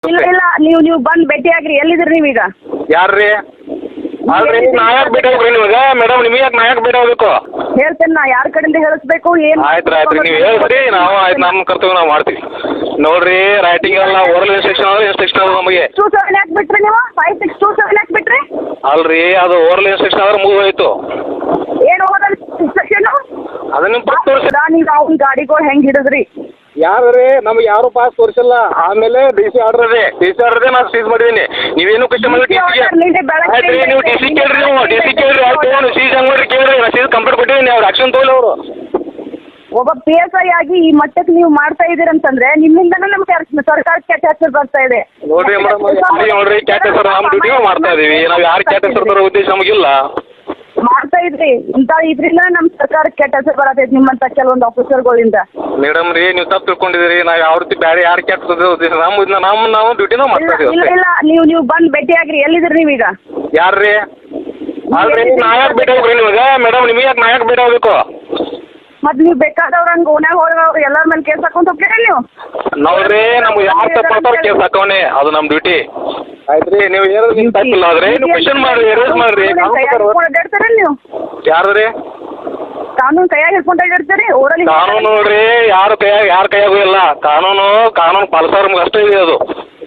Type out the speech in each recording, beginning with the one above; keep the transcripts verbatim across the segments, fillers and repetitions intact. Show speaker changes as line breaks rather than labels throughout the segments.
ಇಲ್ಲ ಇಲ್ಲ ನೀವು ನೀವು ಬಂದು ಭೇಟಿಯಾಗ್ರಿ. ಎಲ್ಲಿದ್ರಿ ನೀವೀಗ?
ಯಾರ್ರಿ? ಅಲ್ರಿ ನಾ ಯಾಕೆ ಭೇಟಿ ಆಗ್ರಿ ನಿಮಗೆ? ಮೇಡಮ್ ನಿಮಗೆ ಯಾಕೆ ನಾ ಯಾಕೆ ಭೇಟಿ ಆಗ್ಬೇಕು?
ಹೇಳ್ತೇನೆ ನಾ ಯಾರ ಕಡೆಯಿಂದ ಹೇಳಿಸ್ಬೇಕು ಏನು?
ಆಯ್ತು ಆಯ್ತು ನೀವು ಹೇಳ್ರಿ, ನಾವು ಆಯ್ತು ನಮ್ಮ ಕರ್ತವ್ಯ ನಾವು ಮಾಡ್ತೀವಿ. ನೋಡ್ರಿ ರೈಟಿಂಗ್ ಎಲ್ಲ ಓರಲ್ ಇನ್ಸ್ಟ್ರಕ್ಷನ್ ಅಂದ್ರೆ ಇನ್ಸ್ಟ್ರಕ್ಷನ್ ಅದ ನಮಗೆ.
ಟೂ ಸೆವೆನ್ ಯಾಕೆ ಬಿಟ್ರಿ ನೀವು? ಫೈವ್ ಸಿಕ್ಸ್ ಟೂ ಸೆವೆನ್ ಯಾಕೆ ಬಿಟ್ರಿ?
ಅಲ್ರಿ ಅದು ಓರಲ್ ಇನ್ಸ್ಟ್ರಕ್ಷನ್ ಆದ್ರೆ ಮುಗಿದೋಯ್ತು.
ಏನು ಹೋಗೋದಲ್ಲ ಇನ್ಸ್ಟ್ರಕ್ಷನ್?
ಅದನ್ನ ನಿಮ್ಗೆ ಪಕ್ಕ ತೋರಿಸಿ.
ನೀವು ಅವ್ನ ಗಾಡಿಗಳು ಹೆಂಗೆ ಹಿಡಿದ್ರಿ?
ಯಾರು ನಮ್ಗೆ ಯಾರು ಪಾಸ್ ತೋರಿಸಿಲ್ಲ. ಆಮೇಲೆ ಡಿ ಸಿ ಆರ್ಡರ್ ಇದೆ, ಡಿ ಸಿ ಆರ್ಡರ್ ಇದೆ, ನಾನು ಸೀಸ್ ಮಾಡಿದ್ದೀನಿ. ನೀವೇನು ಕ್ವಶನ್ ಮಾಡಿ ಡಿ ಸಿಗೆ ಆಯ್ತು ರೀ, ನೀವು ಡಿ ಸಿ ಕೇಳ್ರಿ, ನೀವು ಡಿ ಸಿ ಕೇಳ್ರಿ, ಆಯ್ತು ಸೀಸ್ ಹೆಂಗೆ ಮಾಡ್ರಿ ಕೇಳ್ರಿ, ನಾನು ಸೀಸ್ ಕಂಪ್ಲೇಂಟ್ ಕೊಟ್ಟಿದ್ದೀನಿ, ಅವ್ರು ಆಕ್ಷನ್ ತಗೊಳ್ಳಿ ಅವರು.
ಒಬ್ಬ ಪಿ ಎಸ್ ಐ ಆಗಿ ಈ ಮಟ್ಟಕ್ಕೆ ನೀವು ಮಾಡ್ತಾ ಇದ್ದೀರಂತಂದ್ರೆ ನಿಮ್ಮಿಂದನೂ ನಮ್ಗೆ ಸರ್ಕಾರಕ್ಕೆ ಕೆಟ್ಟ ಹೆಸರು ಬರ್ತಾ ಇದೆ.
ನೋಡ್ರಿ ಮೇಡಮ್, ನೋಡ್ರಿ ಕ್ಯಾಟ್ ಹೆಸರು ನಮ್ಮ ಡ್ಯೂಟಿಗೆ ಮಾಡ್ತಾ ಇದೀವಿ ನಾವು. ಯಾರು ಕ್ಯಾಟ್ ಹೆಸರು ತರೋ ಉದ್ದೇಶ ನಮಗಿಲ್ಲ. ಮಾಡ್ತಾ
ಇದ್ರಿ ಇಂಥ ಇದ್ರಿಂದ ನಮ್ಮ ಸರ್ಕಾರಕ್ಕೆ ಕೆಟ್ಟ ಹೆಸರು ಬರತೈತಿ ನಿಮ್ಮಂತ ಕೆಲವೊಂದು ಆಫೀಸರ್ಗಳಿಂದ.
ಮೇಡಮ್ ರೀ ನೀವು ತಪ್ಪು ತಿಳ್ಕೊಂಡಿದ್ದೀರಿ. ನಾವು ಯಾವ ರೀತಿ ಬೇರೆ ಯಾರು ಕ್ಯಾಟ್ ಉದ್ದೇಶ ನಮ್ಮ ನಮ್ಮ ನಾವು ಡ್ಯೂಟಿನ ಮಾಡ್ತಾ ಇದೀವಿ.
ಇಲ್ಲ ಇಲ್ಲ ನೀವು ನೀವು ಬಂದು ಭೇಟಿಯಾಗ್ರಿ. ಎಲ್ಲಿದ್ರಿ ನೀವೀಗ?
ಯಾರ್ರಿ? ಅಲ್ರಿ ನಾ ಯಾಕೆ ಭೇಟಿ ಆಗ್ರಿ ನಿಮಗೆ? ಮೇಡಮ್ ನಿಮಗೆ ಯಾಕೆ ನಾ ಯಾಕೆ ಭೇಟಿ ಆಗ್ಬೇಕು?
ಮತ್ತೆ ನೀವು ಬೇಕಾದವ್ರ ಹಂಗೆ ಓನ್ಯಾಗ ಹೋದವ್ರು ಎಲ್ಲರ ಮೇಲೆ ಕೇಸ್ ಹಾಕೊಂತ ಹೋಗ್ತೀರಿ ನೀವು?
ನೋಡ್ರಿ ನಮ್ಗೆ ಯಾರು ತಪ್ಪಾಡ್ತಾರ ಕೇಸ್ ಹಾಕೋಣೆ, ಅದು ನಮ್ಮ ಡ್ಯೂಟಿ. ಆಯ್ತು ರೀ, ನೀವು ಏನಾದ್ರು ನಿಮ್ಮ ತಪ್ಪಿಲ್ಲ ಆದ್ರೆ ನೀವು ಕ್ವಶನ್ ಮಾಡ್ರಿ, ಎರೇಸ್ ಮಾಡ್ರಿ.
ಅಡ್ಡಾಡ್ತಾರ ನೀವು?
ಯಾರು ರೀ?
ಕಾನೂನು ಕೈಯಾಗ ಹಿಡ್ಕೊಂಡು ಅಡ್ಡಾಡ್ತೀರಿ? ಓಡಲಿ
ಕಾನೂನು ನೋಡ್ರಿ ಯಾರು ಕೈಯಾಗ ಯಾರ ಕೈಯಾಗೂ ಇಲ್ಲ. ಕಾನೂನು ಕಾನೂನು ಪಾಲಿಸೋರ್ ನಮ್ಗೆ ಅಷ್ಟೇ ಇದೆ. ಅದು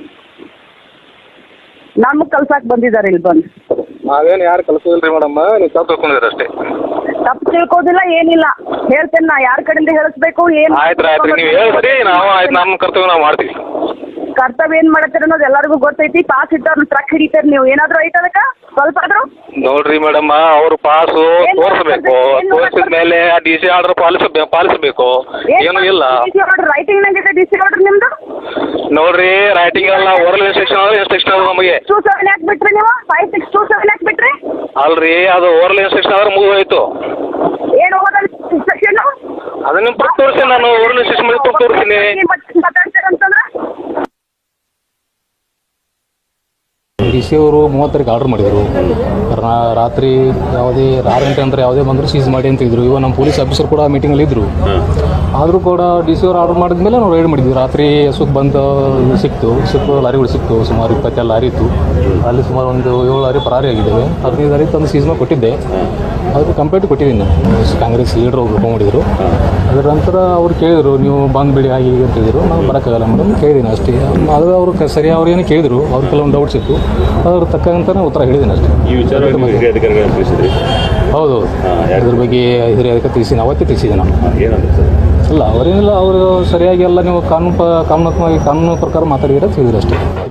ನಮ್ಗೆ ಕಲ್ಸಾಕ್ ಬಂದಿದ್ದಾರೆ ಇಲ್ಲಿ ಬಂದು.
ನಾವೇನು ಯಾರು ಕಲ್ಸೋದಿಲ್ರಿ ಮೇಡಮ್, ನೀವು ತಪ್ಪು ತಿಳ್ಕೊಂಡಿದ್ದೀರಿ ಅಷ್ಟೇ.
ತಪ್ಪು ತಿಳ್ಕೋದಿಲ್ಲ ಏನಿಲ್ಲ. ಹೇಳ್ತೇನೆ ನಾ ಯಾರ ಕಡೆಯಿಂದ ಹೇಳಿಸ್ಬೇಕು ಏನು?
ಆಯ್ತು ಆಯ್ತು ನೀವು ಹೇಳ್ರಿ, ನಾವು ಆಯ್ತು ನಮ್ಮ ಕರ್ತವ್ಯ ನಾವು ಮಾಡ್ತೀವಿ.
ಕರ್ತವ್ಯ ಏನ್ ಮಾಡತ್ತೀರ ಅನ್ನೋದು ಎಲ್ಲರಿಗೂ ಗೊತ್ತೈತಿ. ಪಾಸ್ ಇಟ್ಟವ್ರನ್ನ ಟ್ರಕ್ ಹಿಡಿತಾರೆ ನೀವು. ಏನಾದ್ರು ಐತೆ ಅದಕ್ಕೆ ಸ್ವಲ್ಪ ಆದ್ರೂ?
ನೋಡ್ರಿ ಮೇಡಮ್, ಅವ್ರು ಪಾಸು ತೋರಿಸ್ಬೇಕು, ತೋರಿಸಿದ ಮೇಲೆ ಡಿ ಸಿ ಆರ್ಡರ್ ಪಾಲಿಸ ಪಾಲಿಸಬೇಕು. ಏನು ಇಲ್ಲ.
ರೈಟಿಂಗ್ ನಂಗಿದೆ ಡಿ ಸಿ ಆರ್ಡರ್ ನಿಮ್ದು?
ನೋಡ್ರಿ ರೈಟಿಂಗ್ ಎಲ್ಲ ಓರಲ್ ಇನ್ಸ್ಟ್ರಕ್ಷನ್ ಅಂದ್ರೆ ಇನ್ಸ್ಟ್ರಕ್ಷನ್ ಅದ ನಮಗೆ.
ಟೂ ಸೆವೆನ್ ಯಾಕೆ ಬಿಟ್ರಿ ನೀವು? ಫೈವ್ ಸಿಕ್ಸ್ ಟೂ ಸೆವೆನ್ ಯಾಕೆ ಬಿಟ್ರಿ?
ಅಲ್ರಿ ಅದು ಓರಲ್ ಇನ್ಸ್ಟ್ರಕ್ಷನ್ ಆದ್ರೆ ಮುಗಿದೋಯ್ತು.
ಏನು ಹೋಗೋದಲ್ಲ ಇನ್ಸ್ಟ್ರಕ್ಷನ್?
ಅದನ್ನ ನಿಮ್ಗೆ ಪಕ್ಕ ತೋರಿಸಿ, ನಾನು ಓರಲ್ ಇನ್ಸ್ಟ್ರಕ್ಷನ್ ಮಾಡಿ ಪಕ್ಕ ತೋರಿಸ್ತೀನಿ.
ಮಾತಾಡ್ತೀರಂತಂದ್ರೆ
ಡಿ ಸಿ ಅವರು ಮೂವತ್ತರಿಗೆ ಆರ್ಡರ್ ಮಾಡಿದರು. ರಾತ್ರಿ ಯಾವುದೇ ಆರು ಗಂಟೆ ಅಂದರೆ ಯಾವುದೇ ಬಂದರೂ ಸೀಸ್ ಮಾಡಿ ಅಂತ ಇದ್ರು. ಇವಾಗ ನಮ್ಮ ಪೊಲೀಸ್ ಆಫೀಸರ್ ಕೂಡ ಮೀಟಿಂಗಲ್ಲಿ ಇದ್ದರು. ಆದರೂ ಕೂಡ ಡಿ ಸಿ ಅವರು ಆರ್ಡರ್ ಮಾಡಿದ ಮೇಲೆ ನಾವು ರೈಡ್ ಮಾಡಿದ್ವಿ. ರಾತ್ರಿ ಸುಖ ಬಂದು ಸಿಕ್ತು ಸಿಕ್ಕು ಲಾರಿಗಳು ಸಿಕ್ತು. ಸುಮಾರು ಇಪ್ಪತ್ತೆರಡು ಲಾರಿ ಇತ್ತು. ಅಲ್ಲಿ ಸುಮಾರು ಒಂದು ಏಳು ಲಾರಿ ಪರಾರಿ ಆಗಿದ್ದೇವೆ. ಹದಿನೈದು ಲಾರಿ ತಂದು ಸೀಸ್ ಮಾಡಿ ಕೊಟ್ಟಿದ್ದೆ. ಅದಕ್ಕೆ ಕಂಪ್ಲೇಂಟ್ ಕೊಟ್ಟಿದ್ದೀನಿ ನಾನು. ಕಾಂಗ್ರೆಸ್ ಲೀಡರ್ ಒಬ್ರು ಮಾಡಿದ್ರು. ಅದರ ನಂತರ ಅವ್ರು ಕೇಳಿದರು, ನೀವು ಬಂದು ಬಿಡಿ ಆಗಿ ಅಂತ ಹೇಳಿದರು. ನಾವು ಬರೋಕ್ಕಾಗಲ್ಲ ಮೇಡಮ್ ಕೇಳಿದ್ದೀನಿ ಅಷ್ಟೇ. ಅದು ಅವರು ಸರಿ ಅವ್ರು ಏನು ಕೇಳಿದರು, ಅವ್ರು ಕೆಲವೊಂದು ಡೌಟ್ಸ್ ಇತ್ತು. ಅದ್ರ ತಕ್ಕಂತ ಉತ್ತರ ಹೇಳಿದ್ದೀನಿ ಅಷ್ಟೇ.
ಈ ವಿಚಾರ
ಹೌದು, ಇದ್ರ ಬಗ್ಗೆ ಹಿರಿಯ ಅಧಿಕಾರಿ ತಿಳಿಸಿ ಅವತ್ತೇ ತಿಳಿಸಿದ್ದೆ ನಾವು. ಅಲ್ಲ ಅವರೇನಿಲ್ಲ, ಅವರು ಸರಿಯಾಗಿ ಎಲ್ಲ ನೀವು ಕಾನೂನು ಪ ಕಾನೂನಾತ್ಮಕವಾಗಿ ಕಾನೂನು ಪ್ರಕಾರ ಮಾತಾಡಿದ್ರೆ ತಿಳಿದ್ರೆ ಅಷ್ಟೇ.